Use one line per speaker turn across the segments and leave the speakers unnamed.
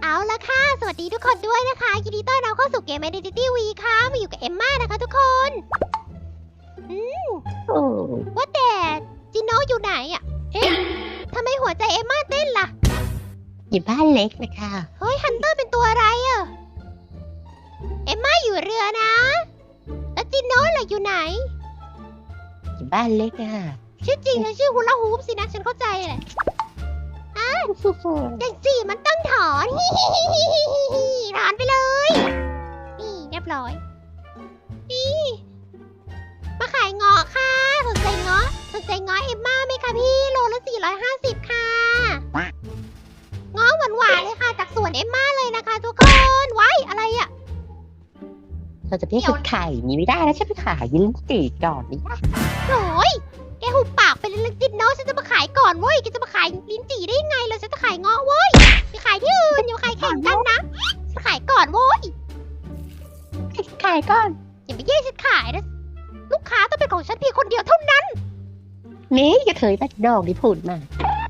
เอาละค่ะสวัสดีทุกคนด้วยนะคะยินดีต้อนรับเข้าสู่เกม Identity V ค่ะมาอยู่กับเอมม่านะคะทุกคนว่าแต่จิโน่อยู่ไหนอ่ะเอ๊ะทำไมหัวใจเอมม่าเต้นล่ะ
อยู่บ้านเล็กนะคะ
เฮ้ยฮันเตอร์เป็นตัวอะไรอ่ะเอมม่าอยู่เรือนะแล้วจิโน่ล่ะอยู่ไหน
อยู่บ้านเล็กนะคะ
ชื่อจริงเธอชื่อฮูลาฮูปสินะฉันเข้าใจเลยจังสี่มันต้องถอนถอนไปเลยนี่เรียบร้อยนี่มาขายเงาะค่ะสนใจเงาะเอมม่าไหมคะพี่โลละ450ค่ะเงาะหวานๆเลยค่ะจากสวนเอมม่าเลยนะคะทุกคนไว้อะไรอ่ะ
เราจะไม่ชุดไข่มีไม่ได้นะฉันไปขายยินตีก่อนนี่นะ
โอ้ยแกหุบปากไปเลยจินโนฉันจะมาขายก่อนเว้ยแกจะมาขายลิ้นจี่ได้ยังไงเลยฉันจะขายเงาะเว้ยไปขายที่อื่นอย่ามาขายแข่งกันนะฉันขายก่อนเว้ย
ขายก่อน
อย่าไปแย่งฉันขายนะลูกค้าต้องเป็นของฉันเพียงคนเดียวเท่านั้น
นี่กระเทยบัดดอกที่พูดมา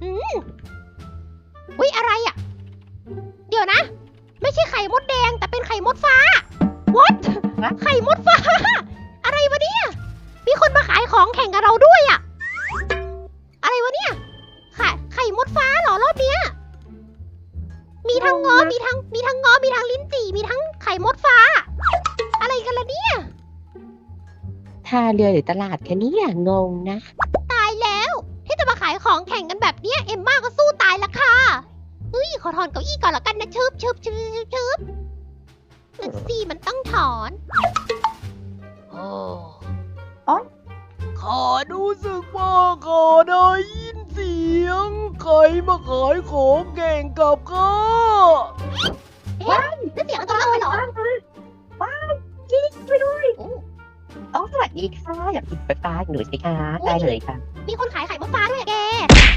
อุ๊ยอะไรอ่ะเดี๋ยวนะไม่ใช่ไข่มดแดงแต่เป็นไข่มดฟ้า What ไข่มดฟ้าอะไรวะเนี่ยมีคนมาขายของแข่งกับเราด้วยอ่ะอะไรวะเนี่ยไข่มดฟ้าเหรอรอบเนี้ยมีทั้งงอมีทั้งงอมีทั้งลิ้นจี่มีทั้งไข่มดฟ้าอะไรกันล่ะเนี่ย
ท่าเรือหรือตลาดแค่นี้งงนะ
ตายแล้วที่จะมาขายของแข่งกันแบบเนี้ยเอ็มม่าก็สู้ตายละค่ะเฮ้ยขอถอนเก้าอี้ก่อนละกันนะชึบนั่นสิมันต้องถอน
โอ้ข้ารู้สึกว่าข้าได้ยินเสียงใครมาขายของแข่งกับข้า
ว้าวนั่นเสียงตัวอะไรเหรอ
ว้าวยิงไปด้วยสวัสดีค่ะอยากกินไฟฟ้าหนูสิคะได้เลยค่ะ
มีคนขายไข่มดฟ้าด้วยแก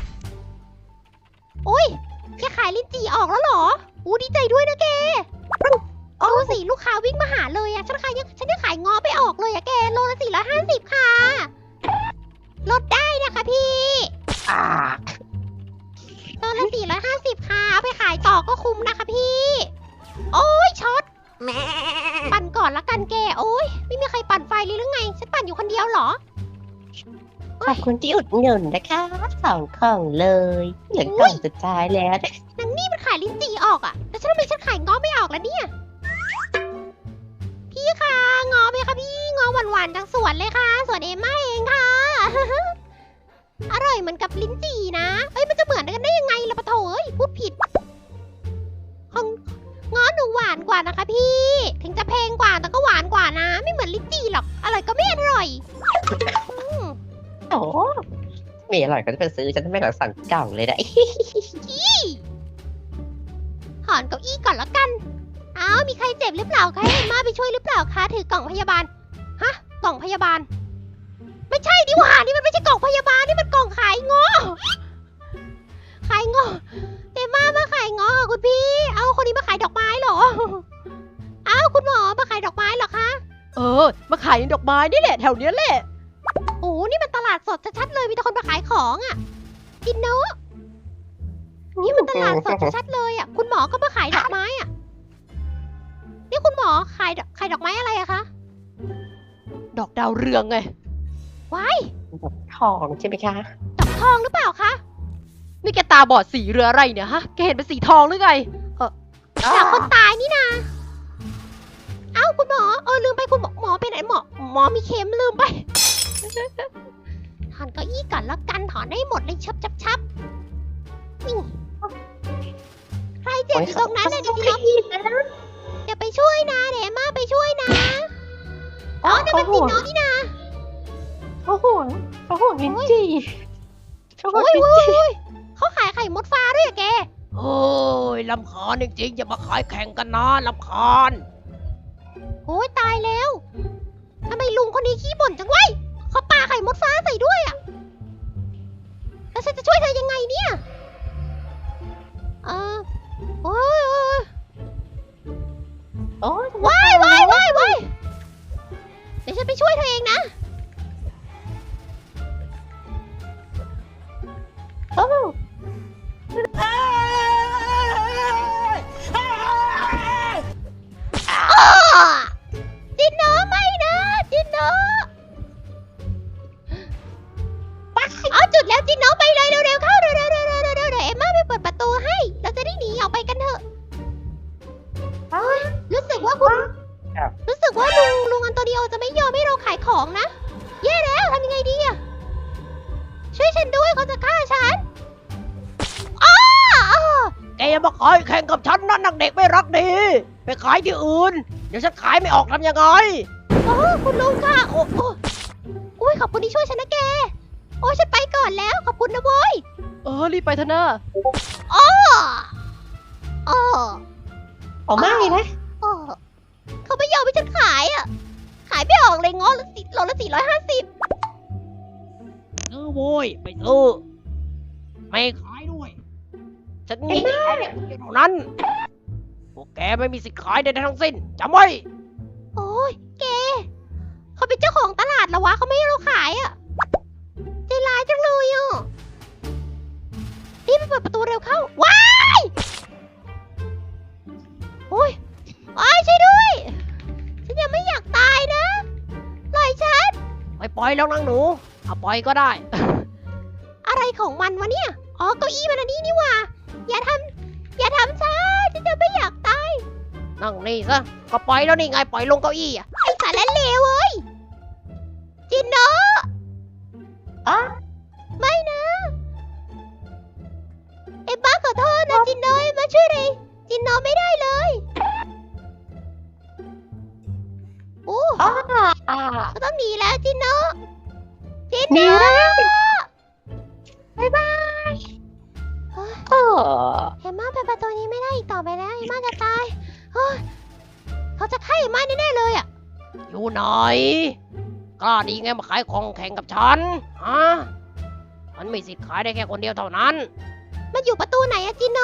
โอ้ยแกขายลิ้นจี่ออกแล้วเหรออู้ดีใจด้วยนะแกดูสิลูกค้าวิ่งมาหาเลยอะฉันยังขายงอไปออกเลยอะแกโลละ450ค่ะลดได้นะคะพี่โลละ450ค่ะเอาไปขายต่อก็คุ้มนะคะพี่โอ้ยช็อตปั่นก่อนละกันแกโอ้ยไม่มีใครปั่นไฟเลยหรือไงฉันปั่นอยู่คนเดียวเหรอ
ขอบคุณที่อุดหนุนนะคะ2 กล่องเลยเหลือกล่องสุดท้ายแล้ว
นางนี่มันขายลิ้นจี่ออกอะแต่ทำไมฉันขายงอไม่ออกแล้วเนี่ยพี่คะงอไหมคะพี่งอหวานๆจากสวนเลยค่ะสวนเอมม่าเองค่ะ อร่อยเหมือนกับลิ้นจี่นะเอ้ยมันจะเหมือนกันได้ยังไงล่ะปะโถเอ้ยพูดผิดของงอหนูหวานกว่านะคะพี่ถึงจะแพงกว่าแต่ก็หวานกว่านะไม่เหมือนลิ้นจี่หรอกอร่อยก็ไม่อร่อย
โอ้ไม่อร่อยก็จะไปซื้อฉันไม่ต้องสั่งกล่องเลยนะ
ถอนเก้าอี้ก่อนแล้วกันอ้าวมีใครเจ็บหรือเปล่าใครเอ็มม่าไปช่วยหรือเปล่าคะถือกล่องพยาบาลฮะกล่องพยาบาลไม่ใช่ดิว่านี่มันไม่ใช่กล่องพยาบาลนี่มันกล่องขายงอเอ็มม่ามาขายงอคุณพี่เอาคนนี้มาขายดอกไม้เหรออ้าวคุณหมอมาขายดอกไม้เหรอคะ
มาขายดอกไม้นี่แหละแถวเนี้ยแหละ
โอ้นี่มันตลาดสดชัดๆเลยมีแต่คนมาขายของอ่ะกินเนอะนี่มันตลาดสดชัดๆเลยอ่ะคุณหมอก็มาขายดอกไม้อ่ะนี่คุณหมอขายดอกไม้อะไรอะคะ
ดอกดาวเรืองไง
ว้าย
ดอกทองใช่ไหมคะ
ดอกทองหรือเปล่าคะ
นี่แกตาบอดสีเรืออะไรเนี่ยฮะแกเห็นเป็นสีทองหรือไง
จากคนตายนี่นาเอ้าคุณหมอลืมไปคุณหมอไปไหนหมอมีเข็มลืมไปถอนเก้าอี้ก่อนแล้วกันถอนได้หมดเลยชับนี่ใครเจ็บอยู่ตรงนั้นเลยดิเดี๋ยวไปช่วยนะเดี๋ยวมาไปช่วยนะนั่นมันจินน้องนี่นะ
เขาห่วงลิ้นจี่
โอ้ยเขาขายไข่มดฟ้าด้วยอะแก
โอ้ยลำคาญจริงๆอย่ามาขายแข่งกันนะลำคาญ
โอ้ยตายแล้วทำไมลุงคนนี้ขี้บ่นจังวะเขาปาไข่มดฟ้าใส่ด้วยอะแล้วฉันจะช่วยเธอยังไงเนี่ยโอ้ยว้ายเดี๋ยวฉันไปช่วยเธอเองนะ
ขายแข่งกับฉันนั่นนักเด็กไม่รักดี ไปขายที่อื่น เดี๋ยวฉันขายไม่ออกทำยังไง
โอ้คุณลุงค่ะโอ้โอ้ยขอบคุณที่ช่วยฉันนะแก โอ้ยฉันไปก่อนแล้วขอบคุณนะโว้ย
รีบไปเถอะนะ
อ้ออ้อ
ออกมาเลยนะ
อ้อเขาไม่ยอมให้ฉันขายอ่ะ ขายไม่ออกเลยง้อละโลละ450
ซื้อโว้ยไปซื้อไม่ขายด้วย ฉันมีแค่เด็กคนเดียวเท่านั้น พวกแกไม่มีสิทธิ์ขายใดๆทั้งสิ้นจำไว้
โอ้ยแกเขาเป็นเจ้าของตลาดเหรอวะเขาไม่ให้เราขายอ่ะใจร้ายจังเลยอ่ะรีบไปเปิดประตูเร็วเข้าว้ายโอ้ยอ้ายช่วยด้วย ฉันยังไม่อยากตายนะปล่อยฉัน
ไม่ปล่อยแล้วนางหนูเอาปล่อยก็ได้
อะไรของมันวะเนี่ย อ๋อเก้าอี้มันอันนี้นี่หว่า อย่าทำฉันจะไม่อยากตาย
นั่งนี่ซะ ก็ปล่อยแล้วนี่ไงปล่อยลงเก้าอี้อ่ะ
ไอ้สารเลวเว้ย จินโน
อ๋อ
ไม่นะ เอ็มบ้าขอโทษนะจินโนเอ็มบ้าช่วยเลยจินโนไม่ได้เลยโอ้
อ๋อ
ก็ต้องหนีแล้วจินโนจิน
หนี
โน
แล้ว
บ๊ายบาย
โอ้
เอ็มม่าไปประตูนี้ไม่ได้อีกต่อไปแล้วเอ็มม่าจะตายเฮ้ยเขาจะฆ่าเอ็มม่าแน่ๆเลยอ่ะ
อยู่ไหนกล้าดีไงมาขายของแข่งกับฉัน ฮะ มันมีสิทธิ์ขายได้แค่คนเดียวเท่านั้น
มันอยู่ประตูไหนอะจินโน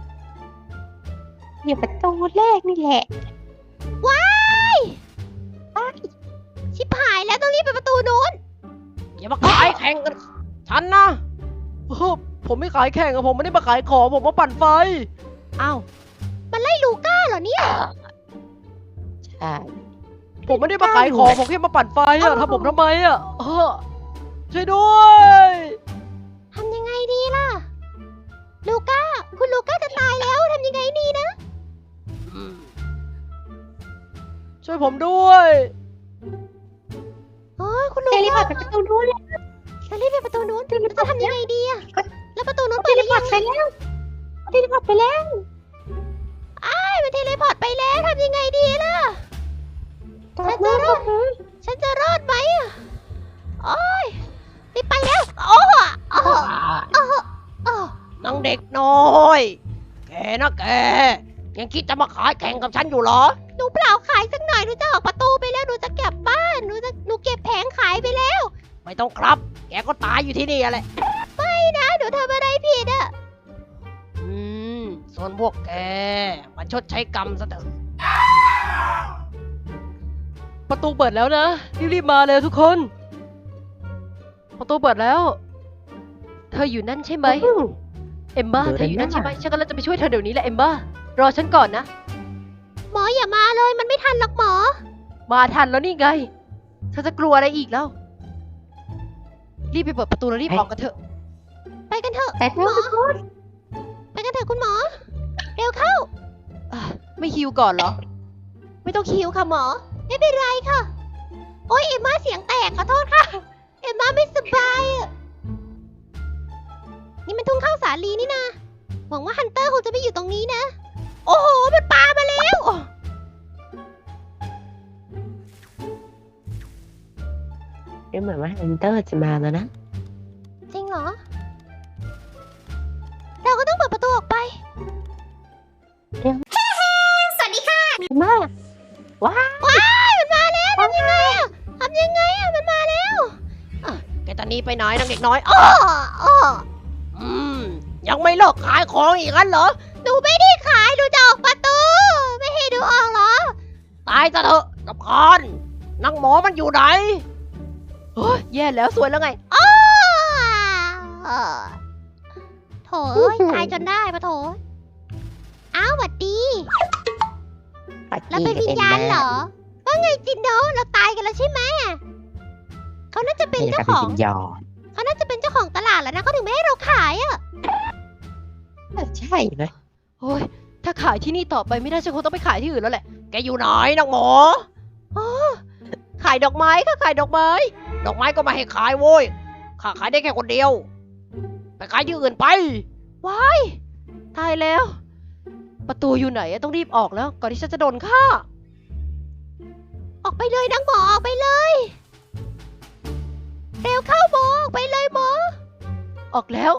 อยู่ประตูแรกนี่แหละ
ว้ายชิบหายแล้วต้องรีบไปประตูนู้น
อย่ามาขายแข่งกันฉันนะผมไม่ขายแข่งอะผมไม่ได้มาขายของผมมาปั่นไฟ
อ้าวมันไล่ลูก้าเหรอเนี่ย
ใช่
ผมไม่ได้มาขายของผมแค่มาปั่นไฟอะทำผมทำไมอะช่วยด้วย
ทำยังไงดีล่ะ ลูก้า คุณลูก้าจะตายแล้วทำยังไงดีนะ
ช่วยผมด้วย
โอ้ยคุณลู
เทเลพอ
ก้า
ร์ตไปประตูนู้นเลย
จะรีบไปประตูนู้นจะทำยังไงดีอะแล้วประตูนู้น
เท
เปิดห
เล
รือ
พอ
ยั
ร์ต
ง
ไปแล้วเทเลพอร์ตไปแล้ว
อ้ายมันเทเลพอร์ตไปแล้วทำยังไงดีล่ะ ฉันจะรอด ฉันจะรอดไหมอะโอ้ยรีบไปแล้วโอ้โอ้โอ้โอ้
นางเด็กน้อย แกนะแก ยังคิดจะมาขายแข่งกับฉันอยู่เหรอ
หนูเปล่าขายสักหน่อยหนูจะออกประตูไปแล้วหนูจะกลับบ้านหนูเก็บแผงขายไปแล้ว
ไม่ต้องครับ แกก็ตายอยู่ที่นี่แหละ
ไม่นะหนูทำอะไรผิดอะ
ส่วนพวกแกมาชดใช้กรรมซะเถอะ ประตูเปิดแล้วนะ รีบๆมาเลยทุกคน ประตูเปิดแล้ว เธออยู่นั่นใช่ไหม เอมบ้าเธออยู่นั่นใช่ไหมฉันกำลังจะไปช่วยเธอเดี๋ยวนี้แหละเอมบ้ารอฉันก่อนนะ
หมออย่ามาเลยมันไม่ทันหรอกหมอ
มาทันแล้วนี่ไง เธอจะกลัวอะไรอีกแล้ว รีบไปเปิดประตูแล้วรีบออกกันเถอะ
ไปกันเถอะ
แต่เธอทุกคน
ไปกันเถอะคุณหมอ เร็วเข้า
ไม่ฮิวก่อนเหรอ
ไม่ต้องคิวค่ะหมอ ไม่เป็นไรค่ะ โอ๊ยเอ็มม่าเสียงแตกขอโทษค่ะ เอ็มม่าไม่สบายอะนี่มันทุ่งข้าวสาลีนี่นะหวังว่าฮันเตอร์คงจะไม่อยู่ตรงนี้นะ โอ้โหมันปามาแล้ว
เดี๋ยวเหมือนว่าฮันเตอร์จะมาแล้วนะ
จริงเหรอ เราก็ต้องเปิดประตูออกไป สวัสดีค่ะ
มากว้าว
ว้ายมันมาแล้วทำยังไงอะทำยังไงอะมันมาแล้ว
แกตอนนี้ไปไหนนางเด็กน้อย
อ้ออ้อ
ยังไม่เลิกขายของอีกงั้นเหรอ
หนูไม่ได้ขายหนูจะออกประตู ไม่ให้ดูออกเหรอ
ตายซะเถอะกับคอนนางหมอมันอยู่ไหนเฮ้ยแย่แล้วสวยแล้วไง
อ้อโถเอ้ยตายจนได้ปะโถอ้าวหวัดดี แล้วเป็นวิญญาณเหรอ ว่าไงจินโดเราตายกันแล้วใช่ไหมเขาน่าจะเป็นเจ้าของ
ยอม
เขาน่าจะเป็นเจ้าของตลาดแล้วนะเขาถึงไม่ให้เราขายอ่ะ
ใช่เลย
โอ้ยถ้าขายที่นี่ต่อไปไม่ได้ฉันคงต้องไปขายที่อื่นแล้วแหละ แกอยู่ไหนนางหมอขายดอกไม้ค่ะขายดอกไม้ ดอกไม้ก็ไมาให้ขายโว้ยข้าขายได้แค่คนเดียว ไปขายที่อื่นไป ว้าย ตายแล้วประตูอยู่ไหนอะต้องรีบออกแล้ว ก่อนที่ฉันจะโดนฆ่า
ออกไปเลยนางหมอออกไปเลย เร็วเข้าหมอออกไปเลยหมอ
ออกแล้ว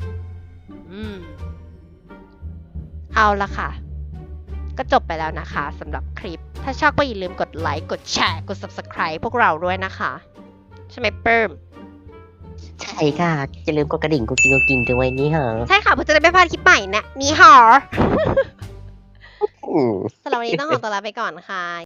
เอาละค่ะ ก็จบไปแล้วนะคะสำหรับคลิป ถ้าชอบก็อย่าลืมกดไลค์ กดแชร์ กด subscribe พวกเราด้วยนะคะ ใช่ไหมเปิ่ม
ใช่ค่ะอย่าลืมกดกระดิ่งกุ๊กกิ๊งด้วยนี่เหรอ
ใช่ค่ะเพื่อจะได้ไม่พลาดคลิปใหม่นะนี่หอ
อืม
สำหรับวันนี้ต้องขอตัวลาไปก่อนค่ะ